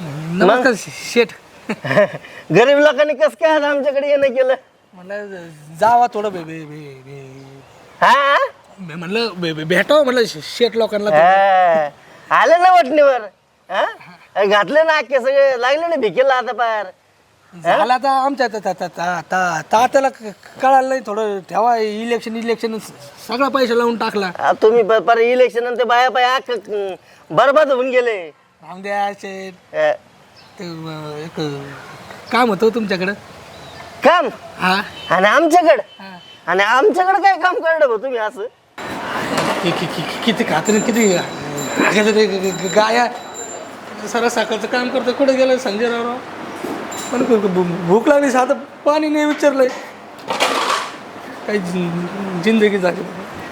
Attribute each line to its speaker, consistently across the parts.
Speaker 1: नमस्कार शेठ.
Speaker 2: गरीब लोकांनी कस काय आज आमच्याकडे येणं केलं?
Speaker 1: म्हणलं जावा थोडं
Speaker 2: हा
Speaker 1: म्हणलं भेटावं म्हणलं शेठ लोकांना.
Speaker 2: आले ना वटणीवर. घातले ना अख्खे सगळे लागले ना भिकेला आता पार.
Speaker 1: झाला आता आमच्या तात्याला कळालं नाही थोडं ठेवा. इलेक्शन सगळा पैसा लावून टाकला.
Speaker 2: तुम्ही पर इलेक्शन ते बाया बाया बरबाद होऊन गेले.
Speaker 1: रामद्या शेठ ते एक काम होतं तुमच्याकडं.
Speaker 2: काम?
Speaker 1: हा.
Speaker 2: आणि आमच्याकडं काय काम करणार भाऊ तुम्ही असं?
Speaker 1: किती खात्री किती गाया सरा साखरचं काम करतो. कुठे गेलं संजय राव? पण भूक लागली साधं पाणी नाही विचारलंय. काही जिंदगी झाली.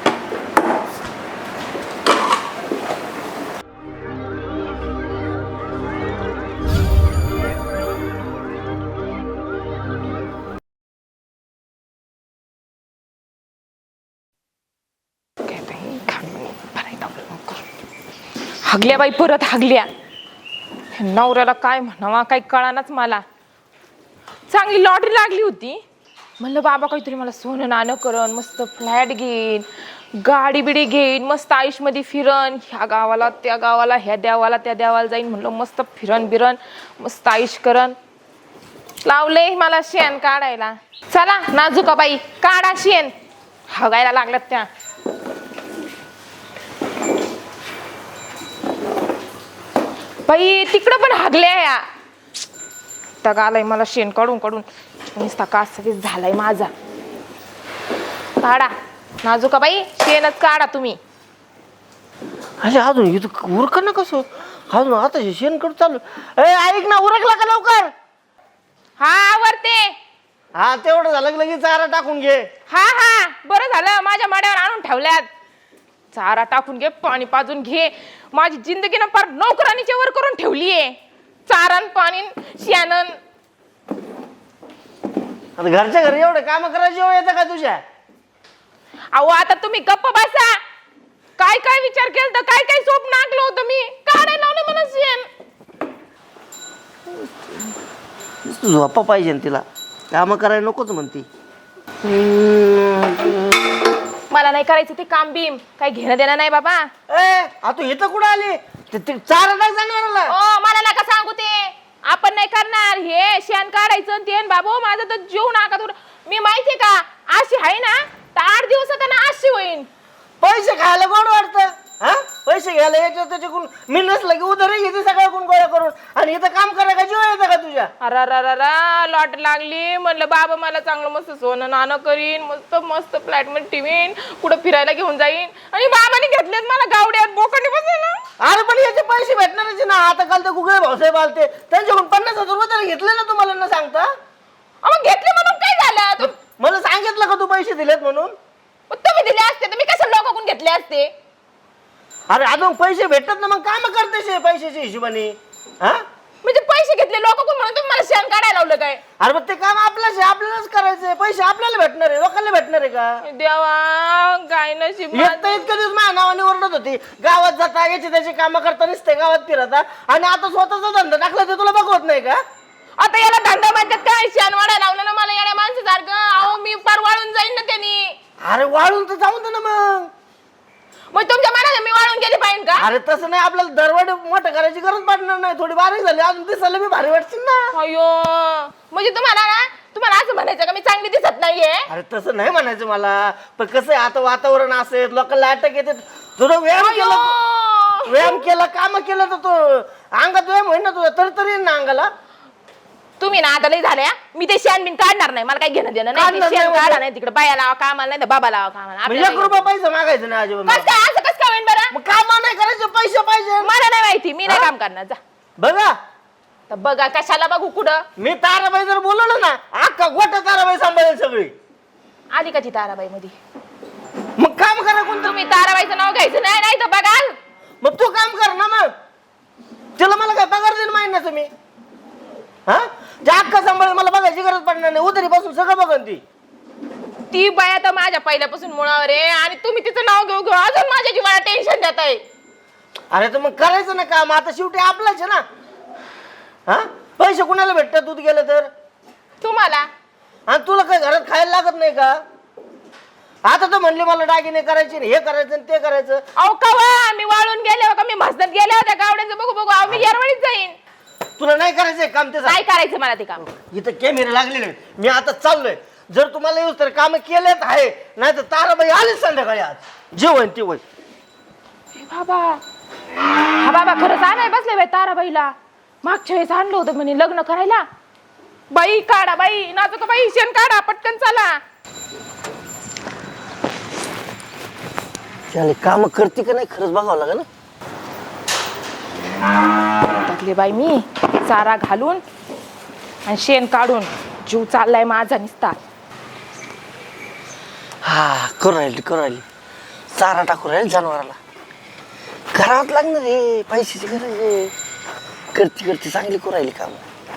Speaker 3: हागल्या बाई परत हागल्या. नवऱ्याला काय म्हणावा काही कळानाच मला. चांगली लॉटरी लागली होती. म्हणलं बाबा काहीतरी मला सोनं नाणं करण, मस्त फ्लॅट घेईन, गाडी बिडी घेईन, मस्त आयुष्यमध्ये फिरन, ह्या गावाला त्या गावाला, ह्या देवाला त्या देवाला जाईन. म्हणलं मस्त फिरन बिरन, मस्त आयुष्य करन. लावले मला शेण काढायला. चला नाजुका बाई काढा शेण. हगायला लागल्यात त्या. बाई तिकडं पण हागल्या या. त्या गालाय मला शेण काढून काढून नुसता कासावीस झालाय माझा. काढा नाजुका बाई शेणच काढा तुम्ही.
Speaker 2: अरे अजून इथं उरक ना कसं अजून आता शेण करू चालू. ऐक ना उरकला का लवकर?
Speaker 3: हा आवरते.
Speaker 2: हा तेवढं झालं की लगेच चारा टाकून घे.
Speaker 3: हा हा बरं झालं माझ्या माड्यावर आणून ठेवल्यात. चारा टाकून घे, पाणी पाजून घे. माझी जिंदगी ना फार नोकरानीच्या वर करून ठेवलीये. चारण पाणी शेणन.
Speaker 2: आता घरच्या घरी एवढं काम करायची वेळ येतं का तुझ्या?
Speaker 3: अहो आता तुम्ही गप्प बसा. काय काय विचार केलं तर काय काय स्वप्न आखलं होतं मी. काढायला लावलं मला शेण.
Speaker 2: झोपा पाहिजे तिला. काम करायला नकोच म्हणती.
Speaker 3: मला नाही करायचं ते काम बीम. काही घेणं देणं नाही बाबा.
Speaker 2: तू इथं कुठं आली? चारा टाक जनावराला.
Speaker 3: ओ मला नका सांगू ते. आपण नाही करणार हे शेण काढायचं ते. बाबू माझा तर जीव नाका तुला. मी माहितीये का अशी आहे ना तर 8 दिवसात ना अशी होईन.
Speaker 2: पैसे खायला गोड वाटतं. हा पैसे घ्यायला याच्या त्याच्याकडून मी नसलं की उधारी घेते सगळ्याकडून गोळा करून. आणि इथं काम करायला जीव येतं का तुझ्या?
Speaker 3: अरे लॉट लागली. म्हणलं बाबा मला चांगलं मस्त सोनं नाणं करीन, मस्त मस्त फ्लॅट मध्ये ठेवीन, कुठं फिरायला घेऊन जाईन. आणि बाबाने घेतलेत मला गावड्यात बोकांनी बसायला.
Speaker 2: अरे पण याचे पैसे भेटणारच ना. आता काल तर गुगळे भाऊसाहेब आलते त्यांच्याकडून 50,000 रुपये तरी घेतले ना तुम्हाला न सांगता.
Speaker 3: मग घेतले म्हणून काय झालं?
Speaker 2: मला सांगितलं का तू पैसे दिलेत म्हणून?
Speaker 3: तुम्ही दिले असते तर मी कसं लोकांकडून घेतले असते?
Speaker 2: अरे अजून पैसे भेटतात ना मग काम करतेस पैशाच्या हिशोबाने. हा
Speaker 3: म्हणजे पैसे घेतले लोकांकडून म्हणून तुम्ही मला शेण काढायला लावलं काय?
Speaker 2: अरे मग ते काम आपलंच आहे. आपल्यालाच करायचंय. पैसे आपल्याला भेटणार आहे लोकांना भेटणार आहे का?
Speaker 3: देवा काय नशीब.
Speaker 2: इतके दिवस माझ्या नावाने ओरडत होती. गावात जाता याची त्याची कामं करता नसते गावात फिरता. आणि आता स्वतःचा धंदा टाकला ते तुला बघवत नाही का?
Speaker 3: आता याला धंदा म्हणतात काय? शेण वाढायला लावलं ना मला येण्या माणसासारखं. अहो मी फार वाळून जाईन ना त्यांनी.
Speaker 2: अरे वाळून तर जाऊन दे ना मग.
Speaker 3: मग तुमच्या मनाने मी वाळून गेली पाहिजे का?
Speaker 2: अरे तसं नाही. आपल्याला दरवाढ मोठं करायची गरज पडणार नाही. थोडी बारीक झाली अजून दिसायला मी भारी वाटशील ना.
Speaker 3: अयो म्हणजे तुम्हाला असं म्हणायचं का मी चांगली दिसत नाहीये?
Speaker 2: अरे तसं नाही म्हणायचं मला. पण कसं आहे आता वातावरण असेल लोकांना अटक येते. थोडं व्यायाम केला काम केलं तर तो अंगात व्यायाम होईल ना तुझा. तरी येईल ना अंगाला.
Speaker 3: तुम्ही ना आता लई झाल्या. मी ते शेण बिन काढणार नाही. मला काही घेणं देणं नाही.
Speaker 2: काढणार
Speaker 3: ते शेण
Speaker 2: नाही
Speaker 3: काढा नाही तिकडे बाया लावा कामाला नाही तर बाबा लावा कामाला.
Speaker 2: 1 रुपया पैसा मागायचं नाही अजिबात.
Speaker 3: कसं काय असं कसं काय होईन बरं?
Speaker 2: मग काम नाही करायचं पैसे पाहिजे.
Speaker 3: मला नाही माहिती. मी नाही काम करणार. जा
Speaker 2: बघा
Speaker 3: तर बघा कशाला बघू कुठं.
Speaker 2: मी ताराबाई जर बोलवलं ना अख्खा गोटा ताराबाई सांभाळेल सगळी.
Speaker 3: आली का ती ताराबाई मध्ये?
Speaker 2: मग काम करा कोणतं.
Speaker 3: तुम्ही ताराबाईचं नाव घ्यायचं नाही नाही तर बघाल.
Speaker 2: मग तू काम कर ना मग. त्याला मला काय पगार देईल माहिती ना तुम्ही? हा त्या अख्खा सांभाळेल मला बघायची गरज पडणार नाही. उधारीपासून सगळं बघन ती.
Speaker 3: ती बाया तर माझ्या पहिल्यापासून मुळावर आहे. आणि तुम्ही तिचं नाव घेऊ घेऊ अजून माझ्या जीवाला टेन्शन देताय.
Speaker 2: अरे तर मग करायचं ना काम. आता शेवटी आपलंच आहे ना. हा पैसे कुणाला भेटतात दूध गेलं तर?
Speaker 3: तुम्हाला
Speaker 2: आणि तुला काय घरात खायला लागत नाही का? आता तर म्हणले मला दागिने करायचे हे करायचं आणि ते करायचं.
Speaker 3: अहो कवा मी वाळून गेले हो का मी म्हसदत गेले होत्या गावड्यांचं बघू बघू अहो मी येरवळीत जाईन.
Speaker 2: तुला नाही करायचंय काम ते?
Speaker 3: काय करायचं मला ते काम?
Speaker 2: इथं कॅमेरे लागलेले आहेत. मी आता चाललोय. जर तुम्हाला येऊ तर काम केलेत आहे, नाही तर ताराबाई आले संध्याकाळी आज जेवण ती वय.
Speaker 3: बाबा हा बाबा खरंच आणाय बसले बाई ताराबाईला. मागच्या वेळेस आणलं होतं म्हणे लग्न करायला. बाई काढा बाई नाचू का बाई शेण काढा पटकन चला.
Speaker 2: त्याला काम करते का नाही खरंच बघावं लागेल ना.
Speaker 3: टाकले बाई मी चारा घालून आणि शेण काढून जीव चाललाय माझा निसता.
Speaker 2: हा करू राहिली चारा टाकू राहील जनावराला. घरात लागणार रे पैशाची गरज आहे. करती चांगली करू राहिली काम.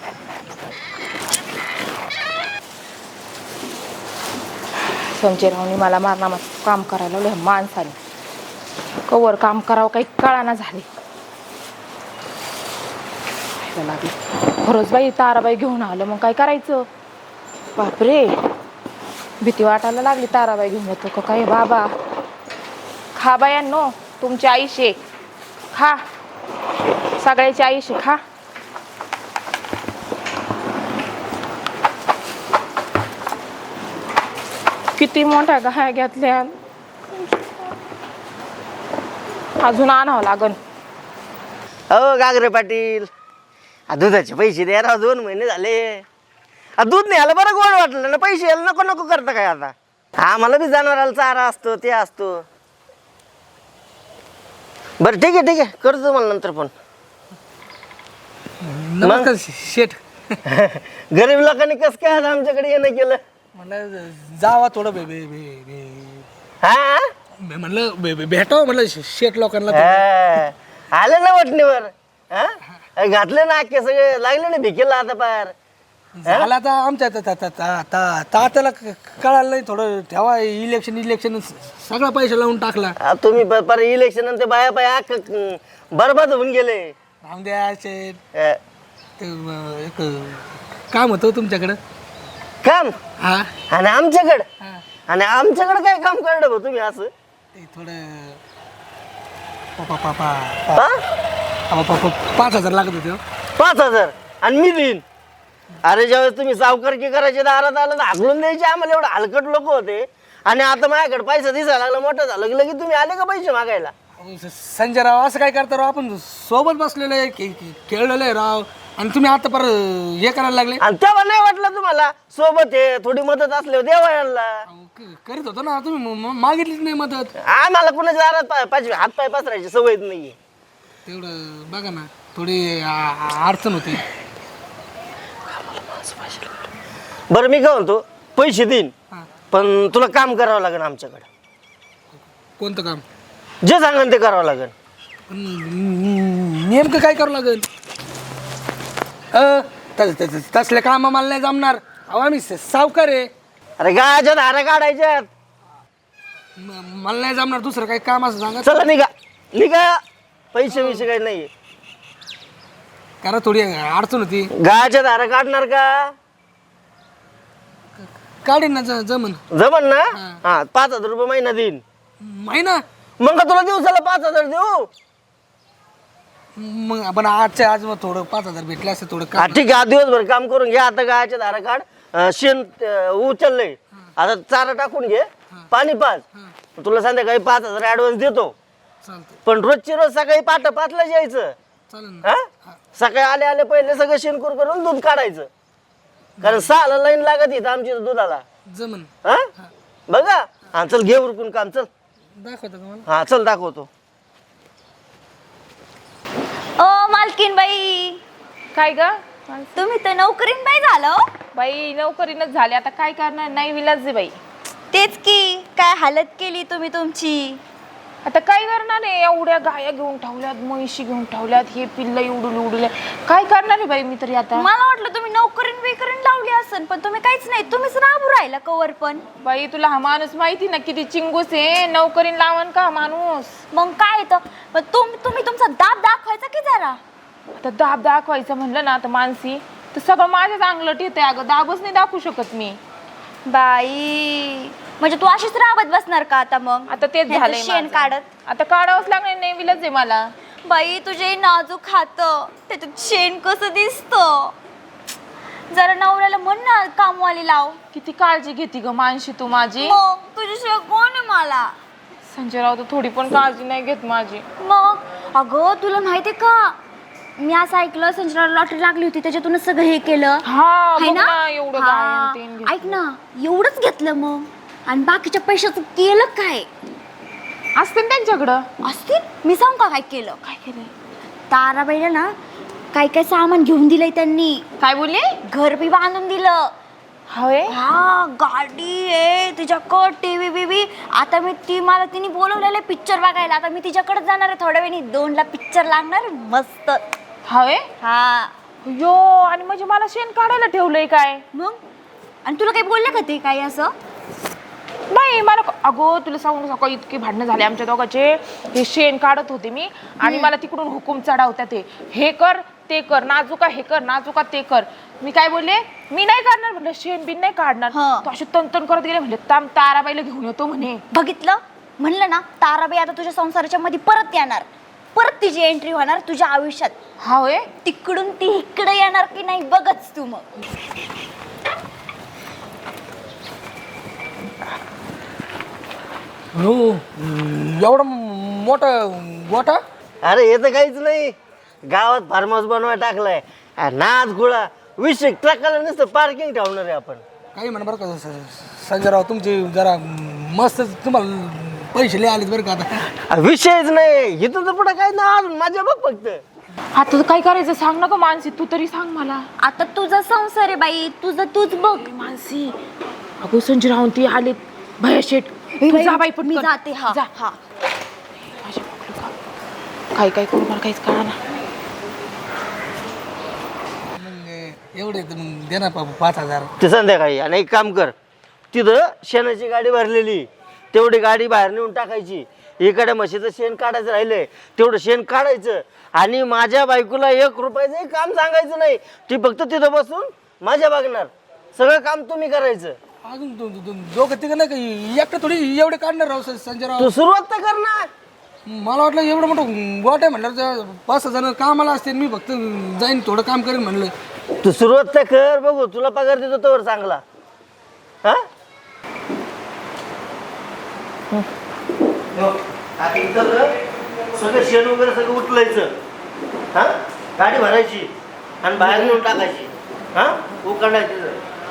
Speaker 3: संजयरावनी मला मारणार काम करायला लावलं माणसाने. कवर काम करावं काही कळाना झाले. लागले खरंच बाई ताराबाई घेऊन आलं मग काय करायचं. बापरे भीती वाटायला लागली. ताराबाई घेऊन येतो का काय बाबा. खा बायांनो तुमची आईशे खा सगळ्याची आईशे खा. किती मोठ्या गाया घेतल्या अजून आणावं लागन.
Speaker 2: हो गागरे पाटील दुधाचे पैसे द्या राव. 2 महिने झाले दूध नाही आलं. बरं गोड वाटलं ना. पैसे यायला नको नको करता काय आता. आम्हाला बी जनावराला चारा असतो ते असतो. बरं ठीक आहे करतो मला नंतर फोन.
Speaker 1: नमस्कार शेठ.
Speaker 2: गरीब लोकांनी कसं काय आज आमच्याकडे येणं केलं?
Speaker 1: म्हणलं जावा थोडं
Speaker 2: हा
Speaker 1: म्हणलं भेटावं म्हणलं शेठ लोकांना.
Speaker 2: आले ना वटणीवर. घातले ना अख्खे सगळे लागले ना भिकेला आता पार.
Speaker 1: झाला आता आमच्या तात्याला कळालं नाही. थोडं ठेवा इलेक्शन सगळा पैसा लावून टाकला.
Speaker 2: तुम्ही पर इलेक्शन नंतर बाया बाया बरबाद होऊन गेले.
Speaker 1: राहून द्या शेठ. ते एक काम होतं तुमच्याकडं.
Speaker 2: काम?
Speaker 1: हा
Speaker 2: आणि आमच्याकडं?
Speaker 1: हा.
Speaker 2: आणि आमच्याकडे काय काम करणार भाऊ तुम्ही असं?
Speaker 1: ते थोडं 5,000 लागत होते.
Speaker 2: 5,000 आणि मी देईन. अरे ज्यावेळेस तुम्ही सावकारकी करायचे दारात आलं तर हाकलून द्यायचे आम्हाला. एवढं हलकट लोक होते. आणि आता माझ्याकडे पैसा दिसायला लागला मोठं झालं की लगेच तुम्ही आले का पैसे मागायला?
Speaker 1: संजय राव असं काय करता राव. आपण सोबत बसलेलो आहे खेळलेलो आहे राव. आणि तुम्ही आता पर हे करायला लागले.
Speaker 2: आणि तेव्हा नाही वाटलं तुम्हाला सोबत आहे थोडी मदत असल्यावर देवा यांना?
Speaker 1: करीत होतो ना तुम्ही. मागितलीच नाही मदत.
Speaker 2: आम्हाला कुणाच्या दारात हात पाय पसरायची सवय नाहीये.
Speaker 1: तेवढं बघा ना थोडी अडचण होती.
Speaker 2: बरं मी काय म्हणतो पैसे देईन
Speaker 1: हा.
Speaker 2: पण तुला काम करावं लागेल आमच्याकडे.
Speaker 1: कोणतं काम?
Speaker 2: जे सांगेन ते करावं लागेल.
Speaker 1: नेमकं काय करावं लागेल? तसले काम मला नाही जमणार. अहो आम्ही सावकार आहे.
Speaker 2: अरे गायच्या धारा काढायच्यात.
Speaker 1: मला नाही जमणार दुसरं काही काम असं सांगा.
Speaker 2: चला निघा पैसे विषय काही नाहीये.
Speaker 1: करा थोडी अडचण होती.
Speaker 2: गायच्या धारा काढणार का?
Speaker 1: काढेन ना जमन.
Speaker 2: जमन ना? हा 5,000 रुपये महिना देईन.
Speaker 1: महिना?
Speaker 2: मग का तुला दिवसाला 5,000 देऊ?
Speaker 1: मग आपण आजच्या आज मग थोडं 5,000 भेटले असं थोडं
Speaker 2: हा ठीक आहे. आज दिवसभर काम करून घे. आता गायच्या धारा काढ. शेण उचललंय आता चारा टाकून घे. पाणी पाच. तुला संध्याकाळी 5,000 ऍडव्हान्स देतो.
Speaker 1: चालतं.
Speaker 2: पण रोजची रोज सकाळी 5:00 यायचं.
Speaker 1: चालेल ना.
Speaker 2: हा सकाळी आले पहिले सगळं शेणकूर करून दूध काढायचं. कारण 6ला लाईन लागत इथं आमची दुधाला.
Speaker 1: जमन.
Speaker 2: हा बघा. हा चल घे उरकून काम. चल
Speaker 1: दाखवतो का मला?
Speaker 2: हा चल दाखवतो.
Speaker 4: ओ मालकीन बाई,
Speaker 3: काय ग
Speaker 4: तुम्ही तर नोकरीन बाई झालं हो.
Speaker 3: बाई नोकरीनच झाले आता काय करणार. नाही विलाज बाई.
Speaker 4: तेच की काय हालत केली तुम्ही तुमची.
Speaker 3: आता काय करणार आहे. एवढ्या गाया घेऊन ठेवल्यात म्हैशी घेऊन ठेवल्यात. हे पिल्ल उडले काय करणार आहे बाई मी तरी आता.
Speaker 4: मला वाटलं तुम्ही नोकरीन बिकरीन लावली असन पण तुम्ही काहीच नाही. तुम्हीच राबू राहिला कवर पण.
Speaker 3: बाई तुला हा माणूस माहिती ना किती चिंगूस आहे. नोकरीन लावण का माणूस.
Speaker 4: मग काय तर तुम्ही तुमचा दाब दाखवायचा की जरा.
Speaker 3: आता दाब दाखवायचं म्हणलं ना तर मानसी तर सगळं माझ्याच अंगलट येते अगं, दाबच नाही दाखवू शकत मी.
Speaker 4: बाई म्हणजे तू अशीच राबत बसणार का आता मग?
Speaker 3: आता तेच
Speaker 4: ह्याचं
Speaker 3: झालंय
Speaker 4: शेण
Speaker 3: माझं.
Speaker 4: काढत.
Speaker 3: आता काढावंच लागणार, नेहमीलाच आहे मला.
Speaker 4: बाई तुझे नाजूक हात, त्याच्यात शेण कसं दिसतं. जरा नवऱ्याला म्हण ना कामवाली लाव.
Speaker 3: किती काळजी घेते ग मानशी तू माझी.
Speaker 4: मग तुझ्याशिवाय कोण आहे मला?
Speaker 3: संजय राव तर थोडी पण काळजी नाही घेत माझी.
Speaker 4: मग अगं तुला माहितीये का, मी असं ऐकलं संजयला लॉटरी लागली होती त्याच्यातूनच सगळं हे केलं.
Speaker 3: हा
Speaker 4: है
Speaker 3: बघ
Speaker 4: ना?
Speaker 3: ना, एवढं
Speaker 4: हा.
Speaker 3: गायन तेन घेतलं.
Speaker 4: ऐक ना, एवढंच घेतलं मग आणि बाकीच्या पैशाचं केलं काय?
Speaker 3: असते ना त्यांच्याकडं.
Speaker 4: असतील. मी सांगू का काय केलं?
Speaker 3: काय केलंय?
Speaker 4: ताराबाईला ना काय काय सामान घेऊन दिलंय त्यांनी.
Speaker 3: काय बोलले?
Speaker 4: घर बी बांधून दिलं.
Speaker 3: होय.
Speaker 4: हा गाडी आहे तिच्याकडं, टीव्ही बीव्ही. आता मी मला तिने बोलवलेलं पिक्चर बघायला. आता मी तिच्याकडे जाणार आहे थोड्या वेळी. 2ला पिक्चर लागणार मस्त.
Speaker 3: होय.
Speaker 4: हा
Speaker 3: यो, आणि म्हणजे मला शेण काढायला ठेवलंय काय?
Speaker 4: मग आणि तुला काही बोलले का ते काही असं?
Speaker 3: नाही मला अगो तुला सांगू नका, इतके भांडणं झाले आमच्या दोघांचे. हे शेण काढत होते मी आणि मला तिकडून हुकूम चढावतात ते, हे कर ते कर, नाजुका हे कर, नाजुका ते कर. मी काय बोलले, मी नाही काढणार म्हटलं, शेण बिन नाही काढणार. तो अशी तनतन करत गेले, म्हणले ताम ताराबाईला घेऊन येतो म्हणे.
Speaker 4: बघितलं, म्हणलं ना ताराबाई आता तुझ्या संसाराच्या मध्ये परत येणार. परत तिची एंट्री होणार तुझ्या आयुष्यात.
Speaker 3: हा होय.
Speaker 4: तिकडून ती इकडे येणार की नाही बघच तू. मग
Speaker 1: हो एवढा मोठा गोठा.
Speaker 2: अरे हे तर काहीच नाही, गावात फार्म हाऊस बनवाय टाकलाय. नाच गुळा विषय ट्रकाला नुसतं पार्किंग ठेवणार आहे आपण.
Speaker 1: काही म्हणा बरं का संजयराव, तुमचे जरा मस्त तुम्हाला पैसे लय आलेत बरं का आता.
Speaker 2: विषयच नाही इथं तर पुढे काय ना, माझ्या बघ फक्त.
Speaker 3: आता काय करायचं सांग ना ग मानसी, तू तरी सांग मला.
Speaker 4: आता तुझा संसार आहे बाई, तुझं तूच बघ.
Speaker 3: मानसी अगो संजय राहून ती आले भया शेट. तू जा बाई पटकन.
Speaker 4: मी जाते. हा
Speaker 3: जा.
Speaker 4: हा
Speaker 3: माझ्या पकडू का? काय काय करू मला काहीच कळा ना.
Speaker 1: मग एवढे तर मग दे ना 5,000.
Speaker 2: ते संध्याकाळी. आणि एक काम कर, तिथं शेणाची गाडी भरलेली, तेवढी गाडी बाहेर नेऊन टाकायची. इकडे म्हशीचं शेण काढायचं राहिलंय तेवढं शेण काढायचं. आणि माझ्या बायकोला 1 रुपयाचं काम सांगायचं नाही. ती फक्त तिथं बसून माझ्या बघणार. सगळं काम तुम्ही करायचं.
Speaker 1: अजून दोघं तिघं नाही का एकटं थोडी एवढे काढणार राव संजयराव.
Speaker 2: तू सुरुवात तर करणार.
Speaker 1: मला वाटलं एवढं मोठं गोट आहे म्हणलं 5 जण कामाला असते, मी फक्त जाईन थोडं काम करेन म्हणलं.
Speaker 2: तू सुरुवात तर कर, बघू तुला पगार देतो तोवर चांगला. हा सगळं शेण वगैरे सगळं उचलायचं. हा गाडी भरायची आणि बाहेर नेऊन टाकायची. हा उकडायची.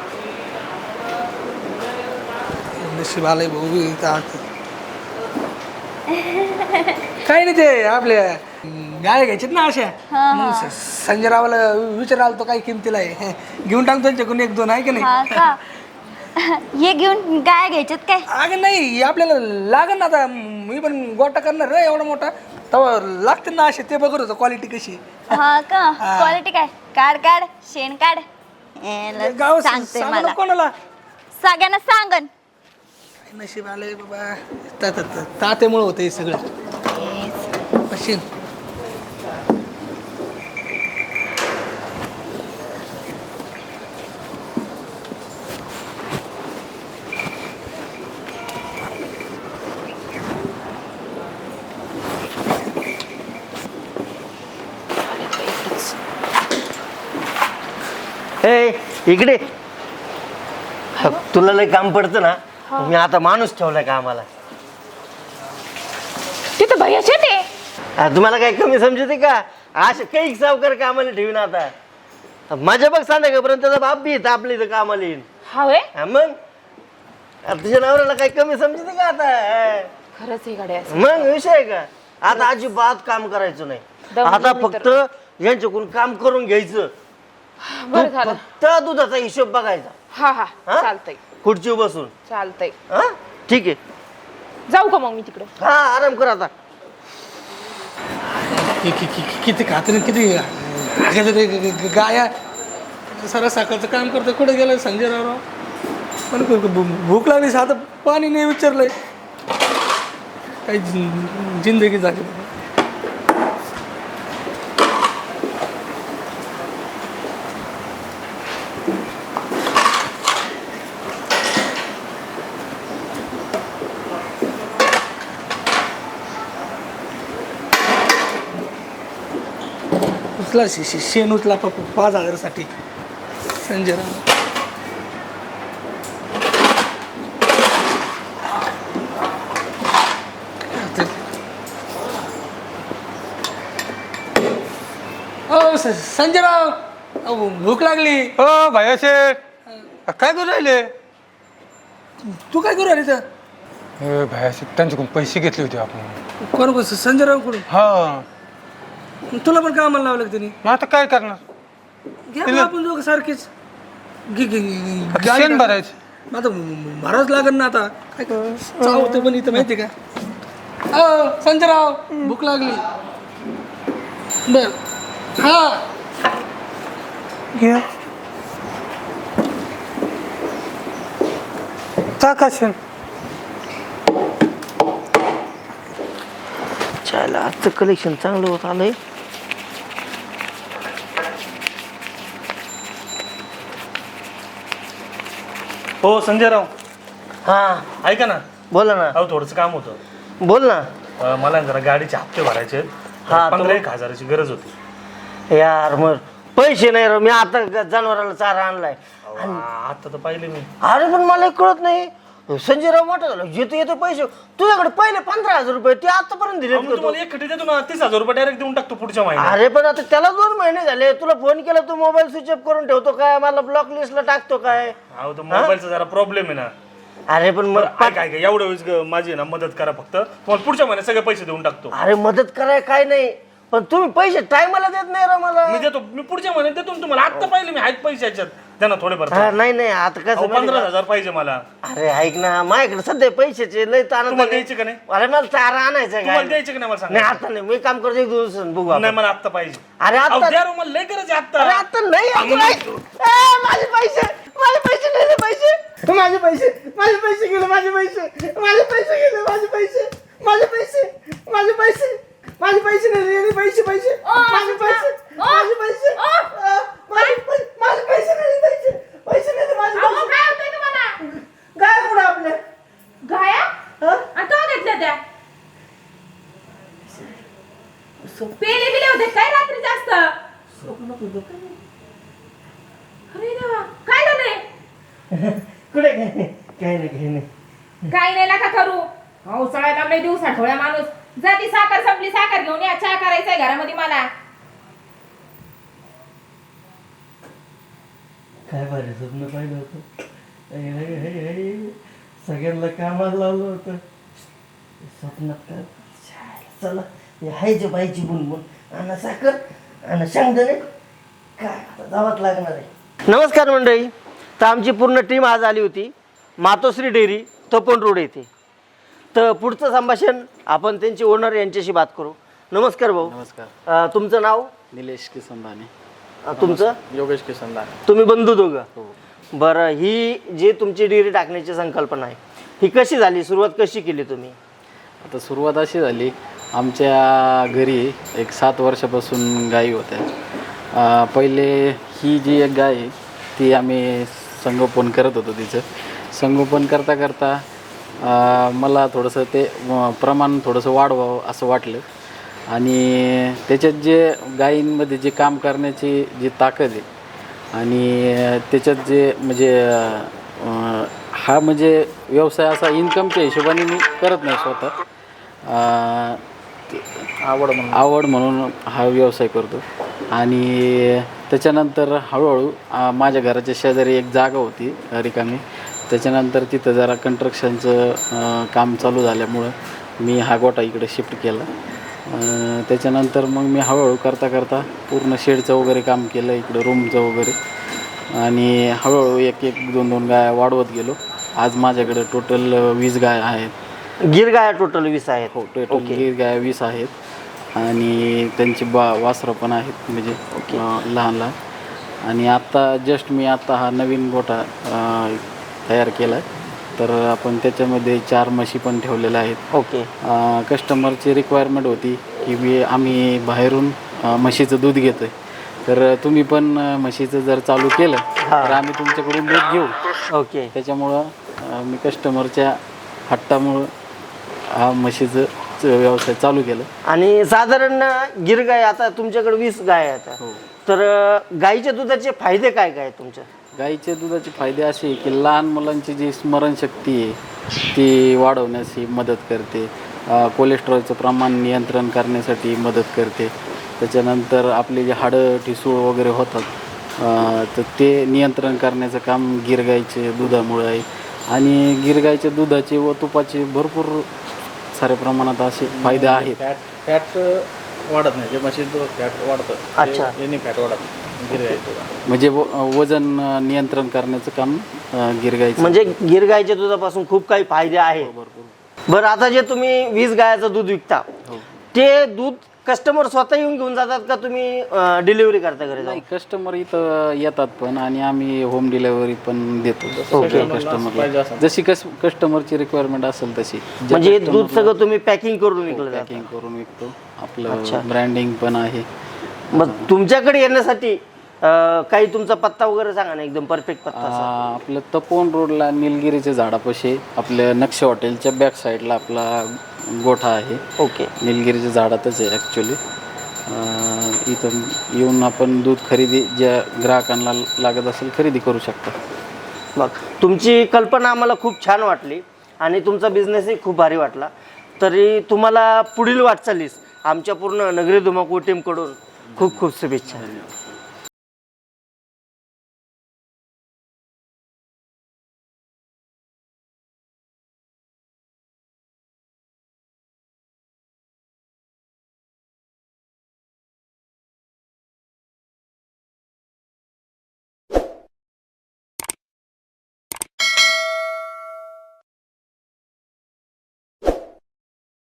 Speaker 1: नशीब आलंय भाऊ इथं आत. काही नाही, ते आपल्या गाय घ्यायच्यात ना अशा. मग संजयरावाला विचारायला तो काही किमतीला आहे, घेऊन टाकतो त्यांच्याकडून 1-2 आहे की नाही.
Speaker 4: हा का? हे घेऊन गाय घ्यायच्यात काय?
Speaker 1: अगं नाही, आपल्याला लागेल ना आता. मी पण गोटा करणार रे एवढा मोठा, तेव्हा लागते ना असे. ते बघत होतं क्वालिटी कशी.
Speaker 4: हा का? क्वालिटी काय? काढ काढ शेण काढ.
Speaker 1: गाव
Speaker 4: सांगते
Speaker 1: सांगू
Speaker 4: मला
Speaker 1: नको कोणाला.
Speaker 4: सगळ्यांना सांगन.
Speaker 1: नशीब आलंय बाबा, तात्यामुळे होतं हे सगळं. अशी
Speaker 2: इकडे तुला लय काम पडतं ना, मी आता माणूस ठेवलाय कामाला.
Speaker 3: तिथं भया शेट आहे.
Speaker 2: तुम्हाला काय कमी समजते का? असे काही सावकार कामाला ठेवीन आता. माझ्या बघ सांगापर्यंत त्याचा बाप बी येत आपल्या इथं कामाला येईन.
Speaker 3: हा होय.
Speaker 2: मग तुझ्या नवऱ्याला काही कमी समजते का आता?
Speaker 3: खरंच आहे गाड्या.
Speaker 2: मग विषय आहे का? आता अजिबात काम करायचं नाही. आता फक्त यांच्याकडून काम करून घ्यायचं.
Speaker 3: बरं झालं.
Speaker 2: फक्त दुधाचा हिशोब बघायचा.
Speaker 3: हा हा चालतंय.
Speaker 2: खुर्ची बसून.
Speaker 3: चालतंय.
Speaker 2: हा ठीक आहे.
Speaker 3: जाऊ का मग मी तिकडे?
Speaker 2: हा आराम कर आता.
Speaker 1: किती खात्री किती गाया. सर सकाळचं काम करतं, कुठे गेलं संजयराव. पण भूक लागली, साधं पाणी नाही विचारलंय. काही जिंदगी झाली. उचला शेण उचला 5,000साठी संजय राव. संजय राव अहो, भूक लागली.
Speaker 5: हो भाई शेठ काय करू राहिले?
Speaker 1: तू काय करू अरे
Speaker 5: भाई शेठ त्यांच्याकडून पैसे घेतले होते आपण.
Speaker 1: कोण संजय राव कडून?
Speaker 5: हा
Speaker 1: तुला पण कामाला लावलं त्यांनी.
Speaker 5: मग आता काय करणार?
Speaker 1: घ्या मग आपण दोघं सारखेच
Speaker 5: आता शेण भरायचं.
Speaker 1: आता भरावंच लागेल ना आता. काय चावतं पण इथं माहिती का? संजय राव भूक लागली. बर हा
Speaker 5: घ्या टाका शेण.
Speaker 2: चायला आजचं कलेक्शन चांगलं होत आलंय.
Speaker 6: हो संजयराव,
Speaker 2: हा
Speaker 6: ऐका ना.
Speaker 2: बोला ना.
Speaker 6: अहो थोडंसं काम होतं.
Speaker 2: बोल ना.
Speaker 6: मला जरा गाडीचे हप्ते भरायचे आहेत.
Speaker 2: हा,
Speaker 6: 15,000ची गरज होती.
Speaker 2: यार मग पैसे नाही राव. मी आता जनावराला चारा आणलाय.
Speaker 6: आता तर पाहिले मी.
Speaker 2: अरे पण मला एक कळत नाही. संजय राव मोठं झालं येतो पैसे तुझ्याकडे पहिले 15,000 रुपये ते आतापर्यंत दिले.
Speaker 6: अहो, मी तुम्हाला एक खटी देतो ना, 30,000 रुपये डायरेक्ट देऊन टाकतो पुढच्या महिन्यात.
Speaker 2: अरे पण आता त्याला 2 महिने झाले. तुला फोन केला तू मोबाईल स्विच ऑफ करून ठेवतो काय? मला ब्लॉक लिस्टला टाकतो काय?
Speaker 6: अहो तो मोबाईलचा जरा प्रॉब्लेम आहे ना.
Speaker 2: अरे पण मग
Speaker 6: काय एवढ्या वेळेस माझी ना मदत करा फक्त. तुम्हाला पुढच्या महिन्यात सगळे पैसे देऊन टाकतो.
Speaker 2: अरे मदत कराय काय नाही पण तुम्ही पैसे टायमाला देत नाही राव मला.
Speaker 6: मी देतो. मी पुढच्या महिन्यात देतो ना तुम्हाला. आता पाहिले मी आहेत पैसे याच्यात. त्यांना थोडेफार.
Speaker 2: नाही आता कसं
Speaker 6: 15,000 पाहिजे मला.
Speaker 2: अरे ऐक ना माझ्याकडे सध्या पैशाचे लय ताण.
Speaker 6: तुम्हाला द्यायचे का नाही?
Speaker 2: अरे मला चारा आणायचा
Speaker 6: तुम्हाला
Speaker 2: काय?
Speaker 6: द्यायचे का नाही मला
Speaker 2: नाही
Speaker 6: सांगा.
Speaker 2: आता नाही. मी काम करतो 1 दिवस बघू आपण.
Speaker 6: नाही मला आत्ता पाहिजे.
Speaker 2: अरे
Speaker 6: अहो,
Speaker 2: आता
Speaker 6: द्या रे, मला लय गरज आहे
Speaker 2: अरे
Speaker 6: आत्ता.
Speaker 2: आता नाही आता नाही. माझे पैसे नाही रे पैसे. माझे पैसे गेले. माझे पैसे गेले. माझे पैसे नाही रे. पैसे माझे पैसे माझे पैसे माझे पैसे नाही. पैसे पैसे नाही रे. माझे पैसे काय कुठं आपल्या
Speaker 3: गाया आता घेतल्या त्या पेले बिले होते काय रात्री जास्त. अरे देवा, काय झालंय?
Speaker 2: कुठे काय नाही
Speaker 3: काही नाही नका करू. हो सगळ्यात आपले दिवस आठवड्या माणूस. जा ती साखर संपली, साखर घेऊन या. चहा करायचंय घरामध्ये मला.
Speaker 2: काय भारी स्वप्न पाहिलं होतं. सगळ्यांना कामाला लावलं होतं स्वप्नात. काय चला हाय जे बाईची बुनबुन आणि साखर आणि शेंगदाणे काय आता जावंच लागणार आहे. नमस्कार मंडळी. तर आमची पूर्ण टीम आज आली होती मातोश्री डेअरी तपोन रोड येथे. तर पुढचं संभाषण आपण त्यांचे ओनर यांच्याशी बात करू. नमस्कार भाऊ.
Speaker 7: नमस्कार.
Speaker 2: तुमचं नाव?
Speaker 7: निलेश किसन दाने.
Speaker 2: तुमचं?
Speaker 7: योगेश किसन दाने.
Speaker 2: तुम्ही बंधू दोघं? बरं. ही जी तुमची डेअरी टाकण्याची संकल्पना आहे ही कशी झाली? सुरुवात कशी केली तुम्ही?
Speaker 7: आता सुरुवात अशी झाली, आमच्या घरी एक 7 वर्षापासून गायी होत्या. पहिले ही जी एक गाय आहे ती आम्ही संगोपन करत होतो. तिचं संगोपन करता करता मला थोडंसं ते प्रमाण थोडंसं वाढवावं असं वाटलं. आणि त्याच्यात जे गायींमध्ये जे काम करण्याची जी ताकद आहे आणि त्याच्यात जे म्हणजे हा म्हणजे व्यवसाय असा इन्कमच्या हिशोबाने मी करत नाही स्वतः. आवड म्हणून हा व्यवसाय करतो. आणि त्याच्यानंतर हळूहळू माझ्या घराच्या शेजारी एक जागा होती रिकामी. त्याच्यानंतर तिथं जरा कन्स्ट्रक्शनचं काम चालू झाल्यामुळं मी हा गोठा इकडे शिफ्ट केला. त्याच्यानंतर मग मी हळूहळू करता करता पूर्ण शेडचं वगैरे काम केलं इकडं रूमचं वगैरे. आणि हळूहळू 1-2 गाया वाढवत गेलो. आज माझ्याकडे टोटल 20 गाया आहेत.
Speaker 2: गिर गाया टोटल 20 आहेत?
Speaker 7: हो टोटल गिर गाया 20 आहेत. आणि त्यांची वासरं पण आहेत म्हणजे लहान लहान. आणि आत्ता जस्ट मी आत्ता हा नवीन गोठा तयार केला आहे. तर आपण त्याच्यामध्ये 4 म्हशी पण ठेवलेल्या आहेत.
Speaker 2: ओके.
Speaker 7: कस्टमरची रिक्वायरमेंट होती की आम्ही बाहेरून म्हशीचं दूध घेतो आहे, तर तुम्ही पण म्हशीचं जर चालू केलं तर आम्ही तुमच्याकडून दूध घेऊ.
Speaker 2: ओके.
Speaker 7: त्याच्यामुळं मी कस्टमरच्या हट्टामुळं हा म्हशीचं व्यवसाय चालू केलं.
Speaker 2: आणि साधारण गिर गाय आता तुमच्याकडे 20 गाय आहेत
Speaker 7: हो.
Speaker 2: तर गाईच्या दुधाचे फायदे काय काय आहेत तुमच्या?
Speaker 7: गाईच्या दुधाचे फायदे असे आहे की लहान मुलांची जी स्मरणशक्ती आहे ती वाढवण्यास ही मदत करते. कोलेस्ट्रॉलचं प्रमाण नियंत्रण करण्यासाठी मदत करते. त्याच्यानंतर आपले जे हाडं ठिसूळ वगैरे होतात तर ते नियंत्रण करण्याचं काम गिर गाईचे दुधामुळे आहे. आणि गिर गाईच्या दुधाचे व तुपाचे भरपूर साऱ्या प्रमाणात असे फायदे आहेत.
Speaker 8: फॅट वाढत नाही, जे म्हशी फॅट वाढतं.
Speaker 2: अच्छा.
Speaker 8: यांनी फॅट वाढत नाही गिर गाईचं.
Speaker 7: म्हणजे वजन नियंत्रण करण्याचं काम गिर गाईचं.
Speaker 2: म्हणजे गिर गाईच्या दुधापासून खूप काही फायदे आहेत. बरं, आता जे तुम्ही 20 गायचं दूध विकता ते दूध कस्टमर स्वतः येऊन घेऊन जातात का तुम्ही डिलिव्हरी करता घरी
Speaker 7: नाही,
Speaker 2: जाऊन?
Speaker 7: कस्टमर इथं येतात पण आणि आम्ही होम डिलेवरी पण देतो कस्टमरला. जशी कस्टमरची रिक्वायरमेंट असेल तशी.
Speaker 2: म्हणजे हे दूध सगळं तुम्ही पॅकिंग करून विकलं जातं?
Speaker 7: पॅकिंग करून विकतो. आपलं ब्रँडिंग पण आहे.
Speaker 2: मग तुमच्याकडे येण्यासाठी काही तुमचा पत्ता वगैरे सांगा ना, एकदम परफेक्ट पत्ता असा.
Speaker 7: आपलं तपोवन रोडला निलगिरीच्या झाडापाशी आपल्या नक्षी हॉटेलच्या बॅक साईडला आपला गोठा आहे.
Speaker 2: ओके.
Speaker 7: निलगिरीच्या झाडातच आहे ॲक्च्युली. इथं येऊन आपण दूध खरेदी ज्या ग्राहकांना लागत असेल खरेदी करू शकता.
Speaker 2: मग तुमची कल्पना आम्हाला खूप छान वाटली आणि तुमचा बिझनेसही खूप भारी वाटला. तरी तुम्हाला पुढील वाटचालीस आमच्या पूर्ण नगरी धुमाकूळ टीमकडून खूप खूप शुभेच्छा.